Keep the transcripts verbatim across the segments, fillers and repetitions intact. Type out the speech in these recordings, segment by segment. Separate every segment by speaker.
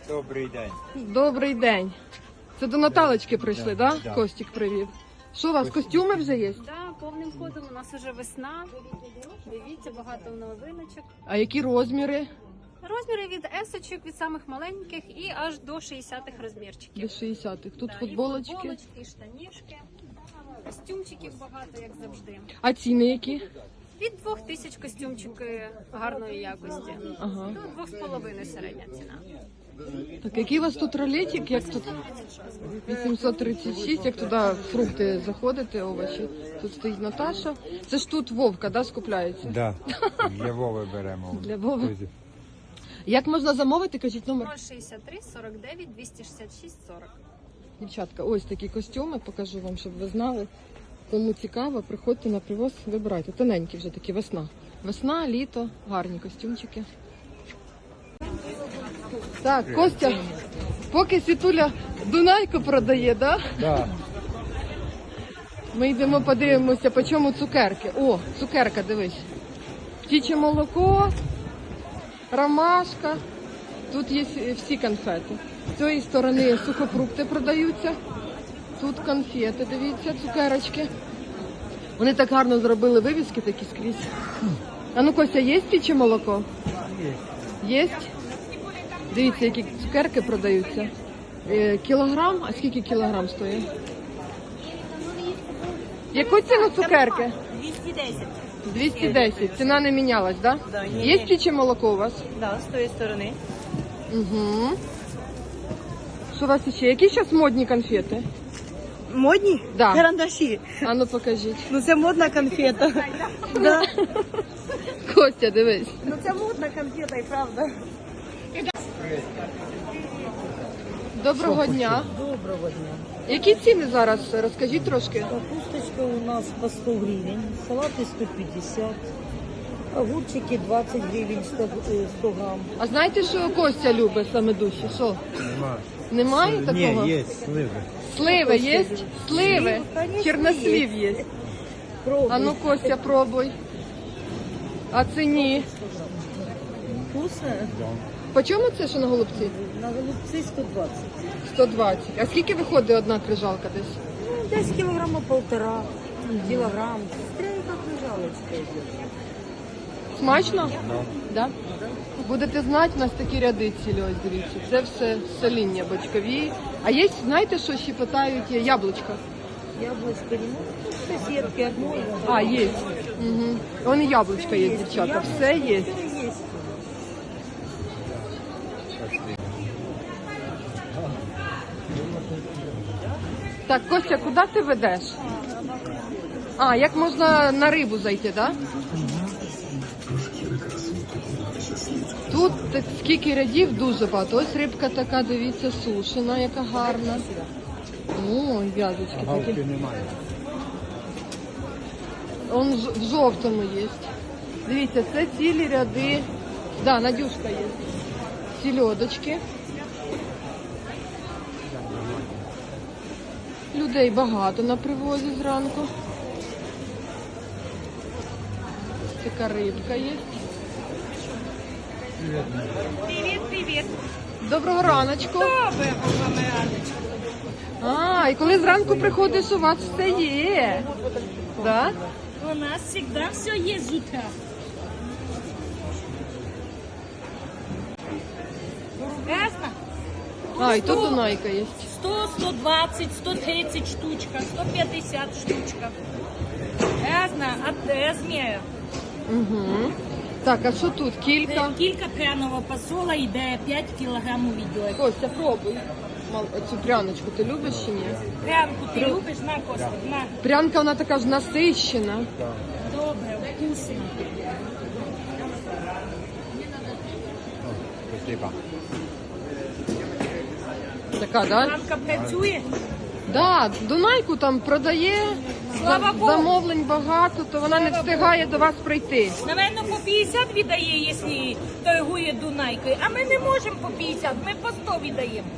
Speaker 1: Добрий день.
Speaker 2: Добрий день. Це до Наталочки прийшли,
Speaker 1: Да,
Speaker 2: да?
Speaker 1: да.
Speaker 2: Костік привів. Що у вас, костюми вже є?
Speaker 3: Да, повним ходом у нас вже весна. Дивіться, багато новиночок.
Speaker 2: А які розміри?
Speaker 3: Розміри від есочок, від самих маленьких і аж до шістдесятих розмірчиків.
Speaker 2: До шістдесятих. Тут
Speaker 3: Да,
Speaker 2: футболочки.
Speaker 3: І футболочки, і штанішки, костюмчиків багато, як завжди.
Speaker 2: А ціни які?
Speaker 3: Від двох тисяч костюмчики гарної якості.
Speaker 2: Ага.
Speaker 3: До двох з половиною середня ціна.
Speaker 2: Так, який у вас тут ролетик? Як тут? вісімсот тридцять шість, як туди фрукти заходите, овочі. Тут стоїть Наташа. Це ж тут Вовка, да, скупляється?
Speaker 1: Да. Для Вови беремо.
Speaker 2: Для Вови. Як можна замовити, кажіть номер?
Speaker 3: ноль шістдесят три сорок дев'ять двісті шістдесят шість сорок.
Speaker 2: Дівчатка, ось такі костюми, покажу вам, щоб ви знали. Кому цікаво, приходьте на привоз, вибирайте. Тоненькі вже такі, весна. Весна, літо, гарні костюмчики. Так, Костя, поки Світуля Дунайку продає, да?
Speaker 1: Да.
Speaker 2: Ми йдемо подивимося, по чому цукерки. О, цукерка, дивись. Птіче молоко, ромашка. Тут є всі конфети. З цієї сторони сухофрукти продаються. Тут конфети, дивіться, цукерочки. Вони так гарно зробили вивіски такі скрізь. А ну, Костя, є птіче молоко? Є. Є? Дивіться, які цукерки продаються. Е, кілограм? А скільки кілограм стоїть? Яку ціну цукерки?
Speaker 4: двісті десять.
Speaker 2: двісті десять. Ціна не мінялась, так? Да?
Speaker 4: Да, ні,
Speaker 2: Є
Speaker 4: ні.
Speaker 2: птіче молоко у вас?
Speaker 4: Да, з тої сторони.
Speaker 2: Угу. Що у вас ще? Які зараз модні конфети?
Speaker 4: Модні?
Speaker 2: Да.
Speaker 4: Карандаші.
Speaker 2: А ну покажіть.
Speaker 4: Ну це модна конфета. Да.
Speaker 2: Костя, дивись.
Speaker 4: Ну це модна конфета, і правда.
Speaker 2: Доброго дня.
Speaker 5: Доброго дня.
Speaker 2: Які ціни зараз? Розкажіть трошки.
Speaker 5: Капусточка у нас по сто гривен, салаты сто пятьдесят, огурчики двадцать гривен сто, э, сто грамм.
Speaker 2: А знаєте, що Костя любить саме душі? Що?
Speaker 1: Нема.
Speaker 2: Немає такого?
Speaker 1: Ні, є сливи.
Speaker 2: Сливи є? Сливи.
Speaker 5: конечно,
Speaker 2: Чернослів є.
Speaker 5: Пробуй.
Speaker 2: А ну, Костя, пробуй. А ціні?
Speaker 5: Вкусно?
Speaker 2: По чому це, що на голубці?
Speaker 5: На голубцы сто двадцать.
Speaker 2: сто двадцять. А скільки виходить одна крижалка десь?
Speaker 5: Ну, десь килограмма полтора, килограмм. Смотря как лежалочка идет.
Speaker 2: Смачно? Да? Будете знати, у нас такі ряди цілі, ось дивіться. Це все соління бочкові. А є, знаєте, що ще питають, є яблучко?
Speaker 5: Яблочко не ну, соседки одной.
Speaker 2: А, є. Угу. Вон і яблучко є, дівчата. Все є.
Speaker 5: Все есть.
Speaker 2: Так, Костя, куди ти ведеш? А, як можна на рибу зайти, так? Да? Тут так, скільки рядів, дуже багато. Ось рибка така, дивіться, сушена, яка гарна. О, в'язочки
Speaker 1: Галки
Speaker 2: такі.
Speaker 1: немає.
Speaker 2: Он ж- в жовтому є. Дивіться, це цілі ряди. Да, Надюшка є. Сільодочки. Людей багато на привозі зранку. Така рибка є.
Speaker 3: Привіт, привіт.
Speaker 2: Доброго раночку.
Speaker 3: Доброго раночку.
Speaker 2: А, і коли зранку приходиш, у вас все є. Да?
Speaker 6: У нас всегда все есть с утра. Ясно?
Speaker 2: А, і тут Дунайка є.
Speaker 6: сто, сто двадцать, сто тридцать штучка, сто пятьдесят штучка. Ясно? От размера.
Speaker 2: Угу. Так, а що тут? Кілька.
Speaker 6: Кілька пряного посола йде п'ять кілограмів відьор.
Speaker 2: Костя, пробуй. Мал- Цю пряночку ти любиш чи ні?
Speaker 6: Прянку ти любиш? На, Костя, на.
Speaker 2: Прянка, вона така ж насищена.
Speaker 6: Добре, вкусно.
Speaker 1: Спасибо.
Speaker 2: Така, да?
Speaker 6: Прянка працює?
Speaker 2: Да, Дунайку там продає,
Speaker 6: Слава
Speaker 2: за-
Speaker 6: Богу.
Speaker 2: замовлень багато, то вона не встигає до вас прийти.
Speaker 6: Навірно, по п'ятдесят віддає, якщо торгує Дунайкою. А ми не можемо по п'ятдесят, ми по сто віддаємо.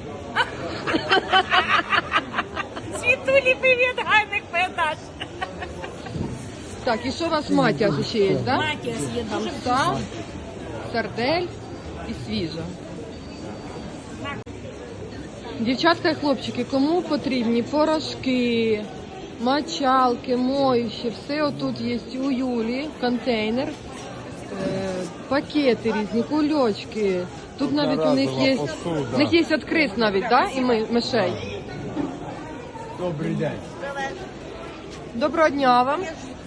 Speaker 6: Світулі, привіт, гарних продаж.
Speaker 2: Так, і що у вас матіас ще є, да?
Speaker 6: Матіас є
Speaker 2: Там
Speaker 6: дуже
Speaker 2: сам, сардель і свіжа.
Speaker 6: вкусна.
Speaker 2: Дівчатка і хлопчики, кому потрібні порошки, мочалки, моющі, все отут є у Юлі, контейнер, е, пакети різні, кульочки. Тут навіть у них є,
Speaker 1: посуда.
Speaker 2: у них є від крис навіть, да? І ми, мишей.
Speaker 1: Добрий день.
Speaker 2: Доброго дня вам.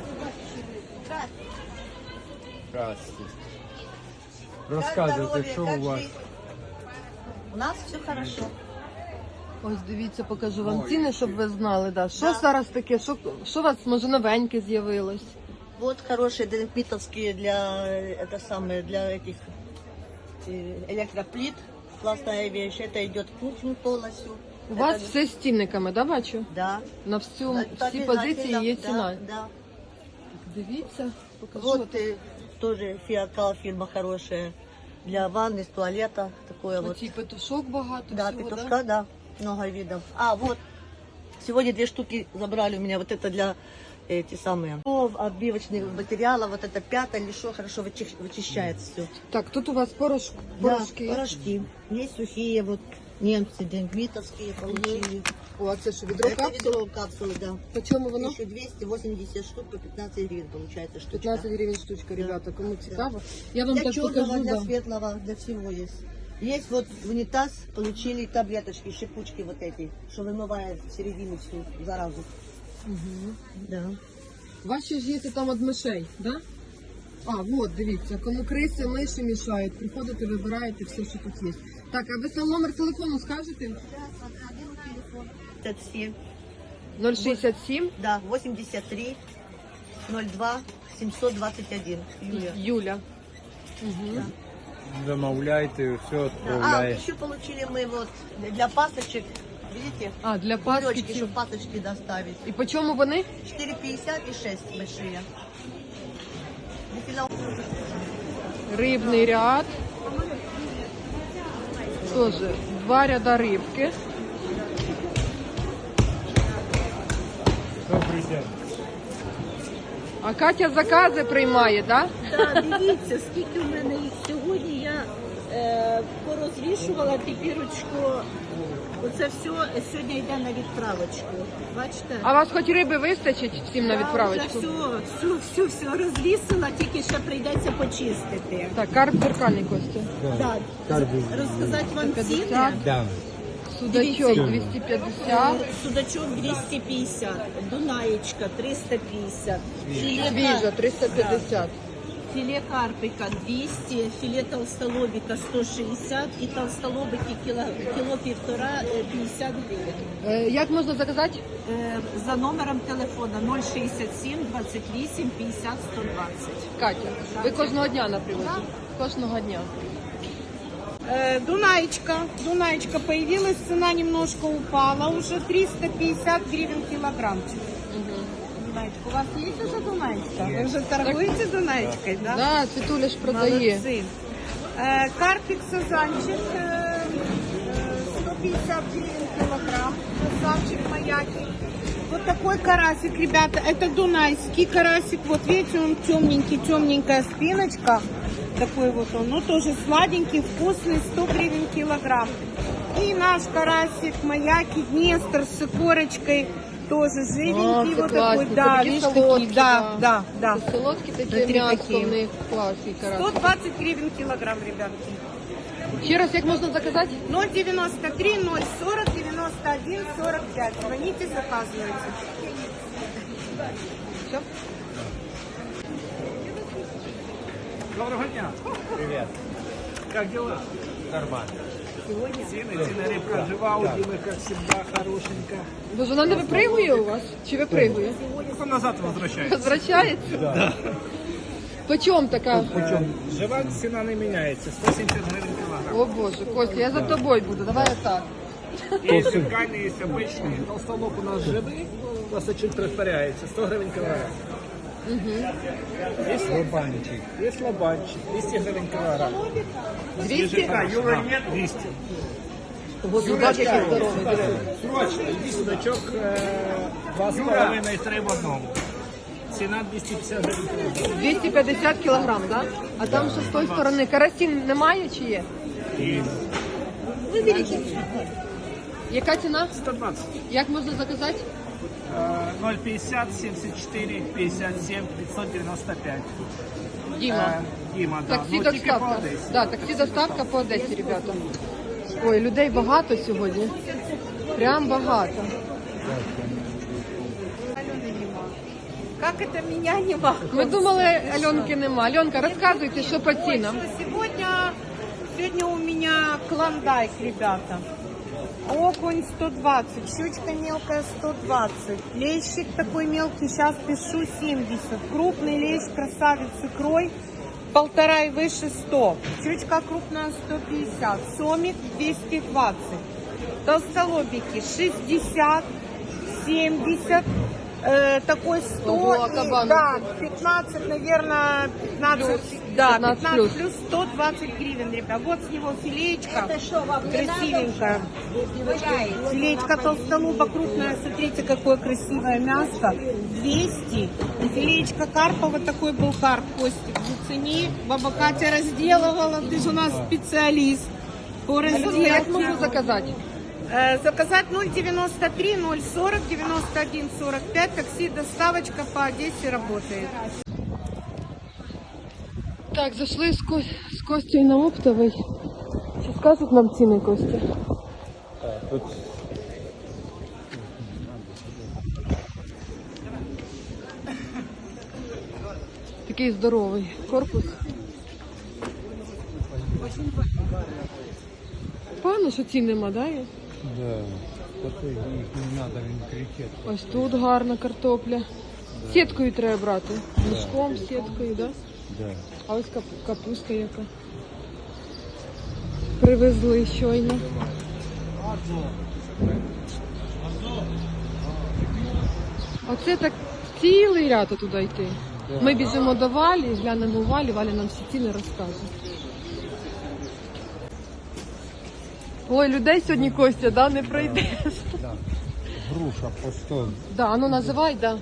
Speaker 1: Здравствуйте. Розказуйте, що у вас?
Speaker 4: У нас все хорошо.
Speaker 2: Ось дивіться, покажу вам ціни, щоб ви знали. Да. Що зараз таке? Що, що у вас, може, новеньке з'явилось?
Speaker 4: Вот хорошие деревитовские для, э, это самое, для этих э, электроплит. Классная вещь. Это идет в кухню полностью.
Speaker 2: У
Speaker 4: Это-
Speaker 2: вас все з цінниками, да, бачу?
Speaker 4: Да.
Speaker 2: На всю,
Speaker 4: Это
Speaker 2: всі
Speaker 4: обязательно,
Speaker 2: позиції є
Speaker 4: да,
Speaker 2: ціна.
Speaker 4: Да.
Speaker 2: Дивіться, покажу.
Speaker 4: Вот э, тоже фиакал фирма хорошая. Для ванны, с туалета. Такое вот.
Speaker 2: Оці петушок багато
Speaker 4: Да,
Speaker 2: всього,
Speaker 4: петушка, да, много видов. А, вот, сегодня две штуки забрали у меня, вот это для эти самые оббивочных материалов, вот это пятое или что, хорошо вычищ- вычищает все.
Speaker 2: Так, тут у вас порош... порошки.
Speaker 4: Да, порошки. Есть сухие, вот немцы, денгвитовские получили.
Speaker 2: О, а це що, відро
Speaker 4: Это
Speaker 2: капсул?
Speaker 4: ведро капсулы, да.
Speaker 2: По чому воно?
Speaker 4: тысяча двести восемьдесят штук по пятнадцать гривен получается штучка.
Speaker 2: пятнадцать гривень штучка, ребята, кому цікаво. Я вам
Speaker 4: Для
Speaker 2: так
Speaker 4: черного,
Speaker 2: покажу,
Speaker 4: для
Speaker 2: да.
Speaker 4: светлого, для всего есть. Есть вот в унитаз получили таблеточки, шипучки вот эти, что вымывает середину всю заразу.
Speaker 2: Угу.
Speaker 4: Да.
Speaker 2: Ваші ж є там від мишей, да? А, от, дивіться, кому криси, миші мішають, приходите, вибираєте все, що тут є. Так, а ви сам номер телефону скажете?
Speaker 4: Это все.
Speaker 2: ноль шістдесят сім,
Speaker 4: Да, восемьдесят три ноль два семьсот двадцать один. Юлия.
Speaker 2: Юля. Угу.
Speaker 1: Замовляйте, все
Speaker 4: А,
Speaker 1: відправляє.
Speaker 4: еще получили мы вот для пасочек, видите,
Speaker 2: А, для
Speaker 4: кулечки,
Speaker 2: паски. ці.
Speaker 4: чтобы пасочки доставить.
Speaker 2: І по чому вони?
Speaker 4: четыре пятьдесят и шесть большие. Бифило-
Speaker 2: Рибний ряд. Тоже два ряда рибки.
Speaker 1: Добрий день.
Speaker 2: А Катя закази приймає, так?
Speaker 7: Так, дивіться, скільки в мене їх сьогодні. Я е, порозвішувала тепірочку. Оце все сьогодні йде на відправочку. Бачите?
Speaker 2: А вас хоч риби вистачить всім на
Speaker 7: Я
Speaker 2: відправочку?
Speaker 7: вже все, все, все, все розвісила, тільки ще прийдеться почистити.
Speaker 2: Так, карп дзеркальний, Костя.
Speaker 7: Так, розказати вам ціни.
Speaker 2: п'ятдесят.
Speaker 1: Да.
Speaker 2: Судачок
Speaker 7: Дивіться.
Speaker 2: двісті п'ятдесят.
Speaker 7: Судачок двісті п'ятдесят, Дунаєчка триста п'ятдесят, філе,
Speaker 2: Свіжа
Speaker 7: кар...
Speaker 2: триста п'ятдесят.
Speaker 7: філе карпика двісті, філе толстолобика сто шістдесят і толстолобики кіло, кіло півтора е, п'ятдесят гривень.
Speaker 2: Е, Як можна заказати?
Speaker 7: Е, За номером телефона нуль шістдесят сім двадцять вісім п'ятдесят сто двадцять.
Speaker 2: Катя, ви кожного дня на привозі? Кожного дня.
Speaker 8: Э, Дунаечка, Дунаечка появилась, цена немножко упала, уже триста пятьдесят гривен килограммчик. Дунаечка, у вас есть уже Дунаечка? Вы уже торгуете Дунаечкой, да?
Speaker 2: Да, Світуля ж продає.
Speaker 8: Молодцы. Э, Карпик сазанчик, э, э, сто пятьдесят гривен килограмм, красавчик маяки. Вот такой карасик, ребята, это дунайский карасик, вот видите, он темненький, темненькая спиночка. Такой вот он, ну тоже сладенький, вкусный, сто гривен килограмм. И наш карасик, маяки, Днестр с корочкой, тоже живенький,
Speaker 2: А, це
Speaker 8: вот
Speaker 2: класні,
Speaker 8: такой,
Speaker 2: це
Speaker 8: да,
Speaker 2: такі
Speaker 8: видишь,
Speaker 2: солодкі,
Speaker 8: такие, да, да, да.
Speaker 2: Це солодкі такі
Speaker 8: Внутрі
Speaker 2: м'ясо
Speaker 8: такі.
Speaker 2: в них класні
Speaker 8: сто
Speaker 2: карасі.
Speaker 8: двадцать гривен килограмм, ребятки.
Speaker 2: Ще раз, як можна заказати?
Speaker 8: ноль девяносто три ноль сорок девяносто один сорок пять. Звоните, заказывайте.
Speaker 2: Все?
Speaker 9: Доброго дня.
Speaker 1: Привіт.
Speaker 9: Как дела?
Speaker 1: Нормально.
Speaker 9: Цены, цены рыбка жива, удила, как всегда, хорошенько.
Speaker 2: Боже, вона не випригує у вас? Чи випригує?
Speaker 9: Только назад возвращается.
Speaker 2: Возвращається? Да. Почем така?
Speaker 9: Жива цена не меняется, сто семьдесят гривен килограмм.
Speaker 2: О Боже, Костя, я за тобою буду, давай отак.
Speaker 9: Есть зеркальные, есть обычные. Толстолоб у нас живый, у нас очень растворяется, сто гривен килограмм. Есть
Speaker 1: Лобанчик.
Speaker 9: Есть лобанчик, двести гривен килограмм.
Speaker 2: двісті?
Speaker 9: Да, Юра нет, двести.
Speaker 2: Боже, бач, який здоровий. диви.
Speaker 9: Срочно, иди судачок, э, два с половиной, три в одном. Цена двести пятьдесят гривен килограмм.
Speaker 2: двісті п'ятдесят кілограм, так? Да? А там що з тої сторони? Карасін немає чи є?
Speaker 9: И
Speaker 2: Яка ціна?
Speaker 9: сто двадцать.
Speaker 2: Як можна заказати?
Speaker 9: Э, ноль пятьдесят семьдесят четыре пятьдесят семь пятьсот девяносто пять.
Speaker 2: Діма.
Speaker 9: Э, Дима, да.
Speaker 2: Таксі
Speaker 9: Ну, тільки по
Speaker 2: доставка.
Speaker 9: Одесі.
Speaker 2: Да, таксі доставка по Одесі, ребята. Ой, людей багато сьогодні. Прям багато.
Speaker 8: Как это меня нема?
Speaker 2: Ми думали, Альонки нема. Альонка, розказуйте, що по цінам.
Speaker 8: Сегодня, сегодня у меня клондайк, ребята. Окунь сто двадцать, щучка мелкая сто двадцать, лещик такой мелкий, сейчас пишу семьдесят, крупный лещ, красавец с икрой, полтора и выше сто, щучка крупная сто пятьдесят, сомик двести двадцать, толстолобики шестьдесят, семьдесят, э, такой сто,
Speaker 2: Ого, а
Speaker 8: и,
Speaker 2: кабан?
Speaker 8: да, пятнадцать, наверное, пятнадцать, да,
Speaker 2: пятнадцать
Speaker 8: пятнадцать
Speaker 2: плюс.
Speaker 8: плюс сто двадцать гривен, ребят. Вот с него филеечка, красивенькая. Филеечка толстолоба крупная, смотрите, какое красивое мясо. двести. И филеечка карпа, вот такой был карп, Костик, зацени. Баба Катя разделывала, ты же у нас специалист по
Speaker 2: Як
Speaker 8: разделке.
Speaker 2: можна заказати?
Speaker 8: Э, Заказать ноль девяносто три ноль сорок девяносто один сорок пять. Такси, доставочка по Одессе работает.
Speaker 2: Так, зайшли з, Ко... з Костю на оптовий. Чи скажуть нам ціни, Костя?
Speaker 1: Тут
Speaker 2: Такий здоровий корпус. Певно, що цін нема, да? є?
Speaker 1: да, такой їх не надо, він кричить.
Speaker 2: Ось тут гарна картопля. Сіткою треба брати. Мішком, сіткою, да?
Speaker 1: Да.
Speaker 2: А ось кап- капуста яка. Привезли щойно. Оце так цілий ряд туди йти. Ми біжимо до Валі, глянемо у Валі, Валя нам всі ціни розкаже. Ой, людей сьогодні, Костя, да, не пройдеш.
Speaker 1: Да. Груша по сто,
Speaker 2: Да, а ну називай, да.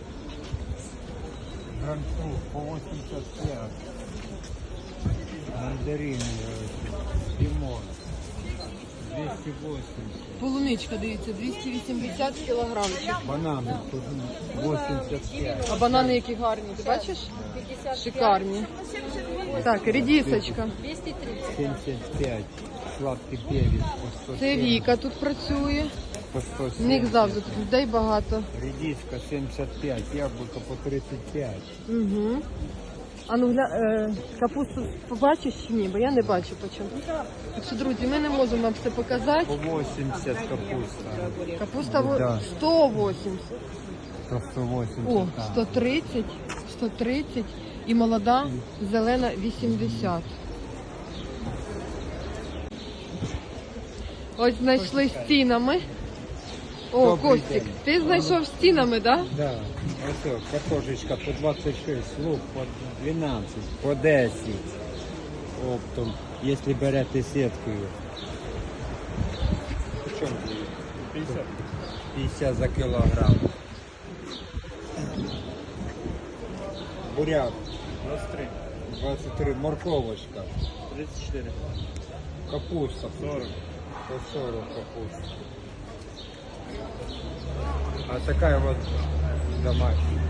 Speaker 1: гранцу по восемьдесят пять, мандарин, э, лимон двести восемьдесят,
Speaker 2: Полуничка, дивіться, двісті вісімдесят кілограмчик.
Speaker 1: бананы тут восемьдесят пять.
Speaker 2: А банани які гарні, ти бачиш? Шикарні. Так, редисочка.
Speaker 1: семьдесят пять, сладкий перец по сто
Speaker 2: Це Віка тут працює.
Speaker 1: по сто
Speaker 2: В них
Speaker 1: семьдесят.
Speaker 2: завжди тут людей багато.
Speaker 1: Редиска семьдесят пять, яблоко по тридцать пять.
Speaker 2: Угу. А ну гля... е, капусту побачиш чи ні? Бо я не бачу по чому. Так що, друзі, ми не можемо вам все показати.
Speaker 1: По восемьдесят капуста.
Speaker 2: Капуста во-
Speaker 1: Да.
Speaker 2: сто вісімдесят.
Speaker 1: По сто восемьдесят.
Speaker 2: О,
Speaker 1: да.
Speaker 2: сто тридцять, сто тридцять і молода зелена вісімдесят. Ось знайшли з цінами. О,
Speaker 1: Добрий
Speaker 2: Костік,
Speaker 1: день.
Speaker 2: ти знайшов з цінами, так? Да?
Speaker 1: Да, ось о, картошечка по двадцать шесть, лук по двенадцать, по десять оптом, если берете сеткою. Почем? пятьдесят. пятьдесят за килограмм. Буряк. двадцать три. двадцать три. Морковочка. тридцать четыре. Капуста. сорок. По сорок капуста. А такая вот домашняя.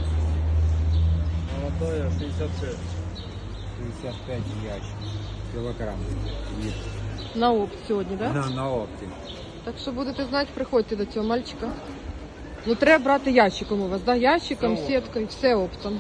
Speaker 1: Молодая шестьдесят шесть. шестьдесят пять ящик. Килограмм. Есть.
Speaker 2: На опт сьогодні, так? Да?
Speaker 1: На, на опте.
Speaker 2: Так що будете знати, приходьте до цього мальчика. Ну треба брати ящиком у вас, да? Ящиком, сіткою, все оптом.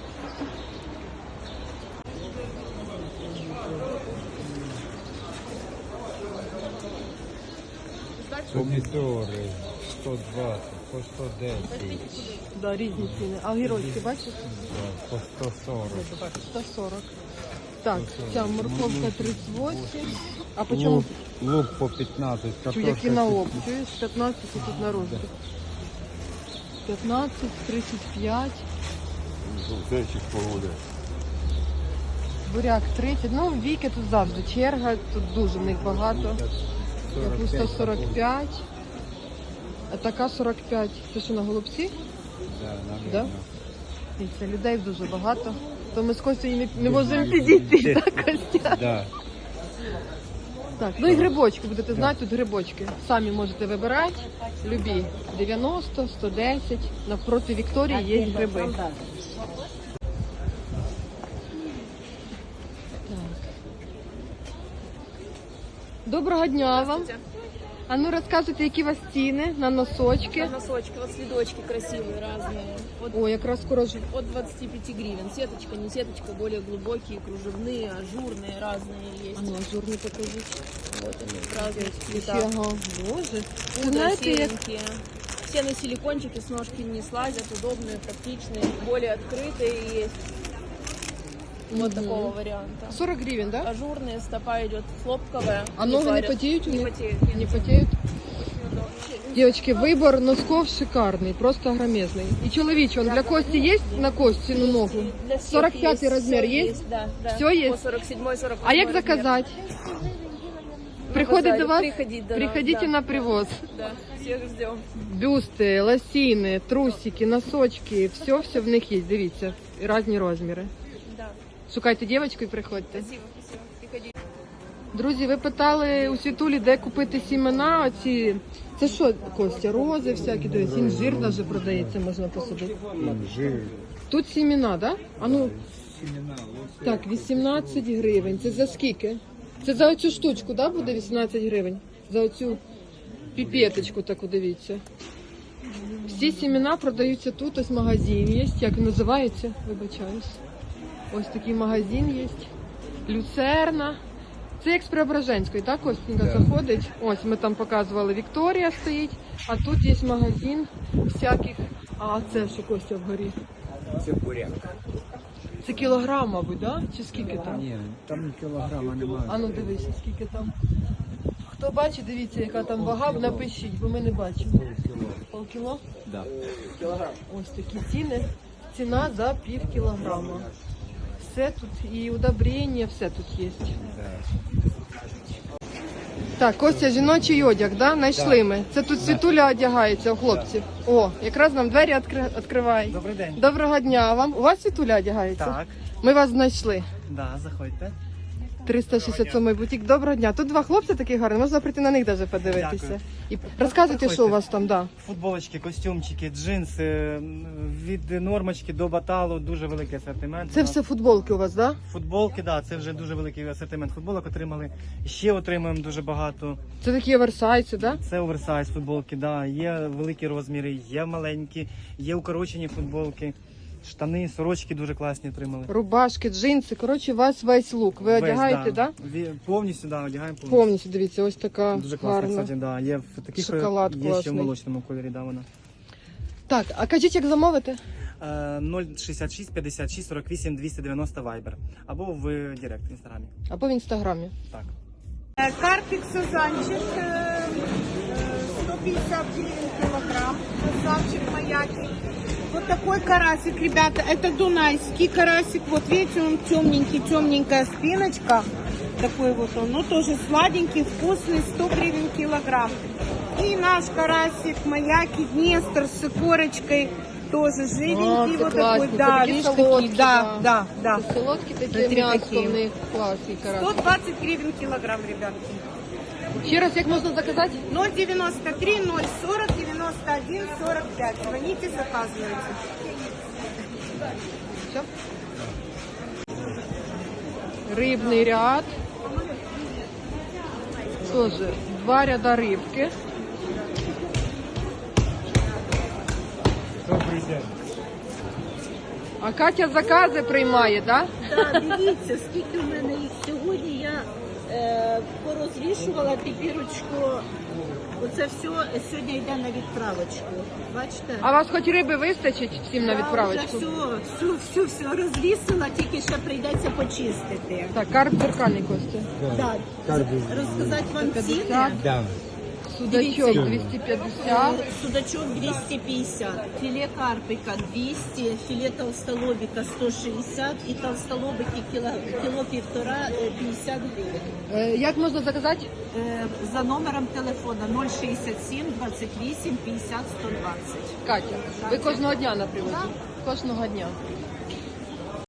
Speaker 1: Помидоры сто двадцать, по сто десять,
Speaker 2: Да, різні ціни. А огірочки, бачиш?
Speaker 1: да, по сто сорок.
Speaker 2: сто сорок. Так, ця морковка тридцять вісім. А по чому?
Speaker 1: Лук, лук по пятнадцать,
Speaker 2: Чу,
Speaker 1: картошка
Speaker 2: які на опт?
Speaker 1: пятнадцать.
Speaker 2: Чуєш, п'ятнадцять і тут на розбір. п'ятнадцять, тридцять п'ять.
Speaker 1: Зайчик погода.
Speaker 2: Буряк тридцять. Ну, віки тут завжди черга, тут дуже в них багато. Капуста сорок п'ять. А така сорок п'ять. Це що, на голубці?
Speaker 1: Да, наверное.
Speaker 2: Да? І це людей дуже багато. То ми з Костю не, не можемо підійти, так, Костя?
Speaker 1: Да.
Speaker 2: Так, ну і грибочки, будете знати, тут грибочки. Самі можете вибирати, любі. дев'яносто, сто десять. Навпроти Вікторії є гриби. Так. Доброго дня вам. А ну розказуйте, які у вас ціни на носочки.
Speaker 10: Носочки, вот следочки красивые, разные. От,
Speaker 2: О, якраз скоро ж.
Speaker 10: от двадцати пяти гривен. Сеточка, не сеточка, более глубокие, кружевные, ажурные, разные есть.
Speaker 2: А ну, ажурні покажіть.
Speaker 10: Вот они, в разных цветах.
Speaker 2: Ага, боже. Це
Speaker 10: Пудра
Speaker 2: знаєте, як
Speaker 10: серенькие. Все на силикончике, с ножки не слазят, удобные, практичные, более открытые есть. Вот такого варианта.
Speaker 2: сорок гривень, да?
Speaker 10: Ажурные, стопа идет хлопковая.
Speaker 2: А ноги не
Speaker 10: парят.
Speaker 2: потеют у
Speaker 10: Не
Speaker 2: них?
Speaker 10: потеют. нет.
Speaker 2: Не потеют? Девочки, выбор носков шикарный, просто громезный. И чоловічий, он для Кости есть на Кости, ну ногу?
Speaker 10: Для всех
Speaker 2: сорок пятый
Speaker 10: есть,
Speaker 2: размер
Speaker 10: всё
Speaker 2: есть?
Speaker 10: Да, да.
Speaker 2: Всё есть?
Speaker 10: По сорок седьмой, сорок
Speaker 2: А як
Speaker 10: восьмой размер.
Speaker 2: заказать? Приходить
Speaker 10: базаре,
Speaker 2: до вас?
Speaker 10: приходить до нас,
Speaker 2: Приходите
Speaker 10: да.
Speaker 2: на привоз.
Speaker 10: Да, всех ждем.
Speaker 2: Бюсти, лосіни, трусики, носочки, все-все в них є, дивіться, різні розміри.
Speaker 10: Да.
Speaker 2: Шукайте дівчинку і приходьте.
Speaker 10: Спасибо, спасибо. Приходите.
Speaker 2: Друзі, ви питали у Світулі, де купити сімена, оці, це що, Костя, рози всякі, дивись, інжир навіть продається, можна посадити.
Speaker 1: Інжир.
Speaker 2: Тут сімена, да? А ну,
Speaker 1: Семена,
Speaker 2: так, вісімнадцять гривень, це за скільки? Це за оцю штучку, да, буде вісімнадцять гривень? За оцю піпеточку таку, дивіться. Всі сімена продаються тут, ось магазин є, як він називається, вибачаюсь. Ось такий магазин є. Люцерна. Це як з Преображенської, так, Костенька, заходить. Ось ми там показували, Вікторія стоїть, а тут є магазин всяких. А це що, Костя, вгорі?
Speaker 1: Це буряк.
Speaker 2: Це кілограм, мабуть, да? Чи скільки там?
Speaker 1: Ні, там кілограма немає.
Speaker 2: А ну дивися, скільки там. Хто бачить, дивіться, яка там вага, напишіть, бо ми не бачимо. Полкіло?
Speaker 1: Да.
Speaker 2: Ось такі ціни. Ціна за пів кілограма. Все тут, і удобрення, все тут є. Так, Костя, жіночий одяг, да? Знайшли ми. Це тут Світуля одягається у хлопців. О, якраз нам двері відкри- відкриває.
Speaker 11: Добрий день.
Speaker 2: Доброго дня вам. У вас Світуля одягається?
Speaker 11: Так,
Speaker 2: Ми вас знайшли.
Speaker 11: да, заходьте.
Speaker 2: триста шістдесят сьомий бутік. Доброго дня. Тут два хлопці такі гарні, можна прийти на них навіть подивитися.
Speaker 11: Дякую.
Speaker 2: І розказуйте,
Speaker 11: Приходьте.
Speaker 2: що у вас там, да.
Speaker 11: Футболочки, костюмчики, джинси, від нормочки до баталу, дуже великий асортимент.
Speaker 2: Це
Speaker 11: У нас
Speaker 2: все футболки у вас, да?
Speaker 11: Футболки, да, це вже дуже великий асортимент футболок отримали. Ще отримуємо дуже багато.
Speaker 2: Це такі оверсайзи, да?
Speaker 11: Це оверсайз футболки, да. Є великі розміри, є маленькі, є укорочені футболки, штани, сорочки дуже класні отримали.
Speaker 2: Рубашки, джинси. Коротше, у вас весь лук. Ви
Speaker 11: Весь,
Speaker 2: одягаєте, да?
Speaker 11: Ві- Повністю, да, одягаємо повністю.
Speaker 2: Повністю, дивіться, ось така
Speaker 11: Дуже класно,
Speaker 2: гарна.
Speaker 11: кстати, да. Є в таких,
Speaker 2: Шоколад
Speaker 11: є ще в
Speaker 2: класний.
Speaker 11: молочному кольорі, да, вона.
Speaker 2: Так, а кажіть, як замовити?
Speaker 11: Е, нуль шістдесят шість п'ятдесят шість сорок вісім двісті дев'яносто Viber. Або в Директ в інстаграмі.
Speaker 2: Або в інстаграмі.
Speaker 11: Так.
Speaker 8: Э, Карпик сазанчик, э, э, сто пятьдесят гривен килограмм, красавчик маяки. Вот такой карасик, ребята, это дунайский карасик. Вот видите, он темненький, темненькая спиночка. Такой вот он, ну тоже сладенький, вкусный, сто гривен килограмм. И наш карасик маяки, Днестр с корочкой. Тоже живенький,
Speaker 2: це
Speaker 8: вот
Speaker 2: класні,
Speaker 8: такой,
Speaker 2: це
Speaker 8: да,
Speaker 2: такі
Speaker 8: видишь,
Speaker 2: солодкі,
Speaker 8: такие, да, да, да.
Speaker 2: Це солодкі такі,
Speaker 8: Смотри,
Speaker 2: м'ясо
Speaker 8: такі.
Speaker 2: в них класні
Speaker 8: сто
Speaker 2: карасі.
Speaker 8: двадцать гривен килограмм, ребятки.
Speaker 2: Ще раз, як можна заказати?
Speaker 8: ноль девяносто три ноль сорок девяносто один сорок пять. Звоните, заказывайте.
Speaker 2: Все. Рибний ряд. Тоже два ряда рибки.
Speaker 1: Добрий день.
Speaker 2: А Катя закази приймає, так?
Speaker 7: Так, дивіться, скільки в мене їх сьогодні. Я е, порозвішувала піпірочку. Оце все сьогодні йде на відправочку. Бачите?
Speaker 2: А вас хоч риби вистачить всім на відправочку?
Speaker 7: Я вже все, все, все, все розвісила, тільки ще прийдеться почистити.
Speaker 2: Так, карп дзеркальний, Костя.
Speaker 7: Так, розказати вам ціни.
Speaker 1: Да.
Speaker 2: Судачок двісті п'ятдесят.
Speaker 7: Судачок двісті п'ятдесят, філе карпика двісті, філе толстолобика сто шістдесят і толстолобики кіло, кіло півтора е, п'ятдесят гривень.
Speaker 2: Е, Як можна заказати?
Speaker 7: Е, За номером телефона нуль шістдесят сім двадцять вісім п'ятдесят сто двадцять.
Speaker 2: Катя, ви кожного дня на привозі? Кожного дня.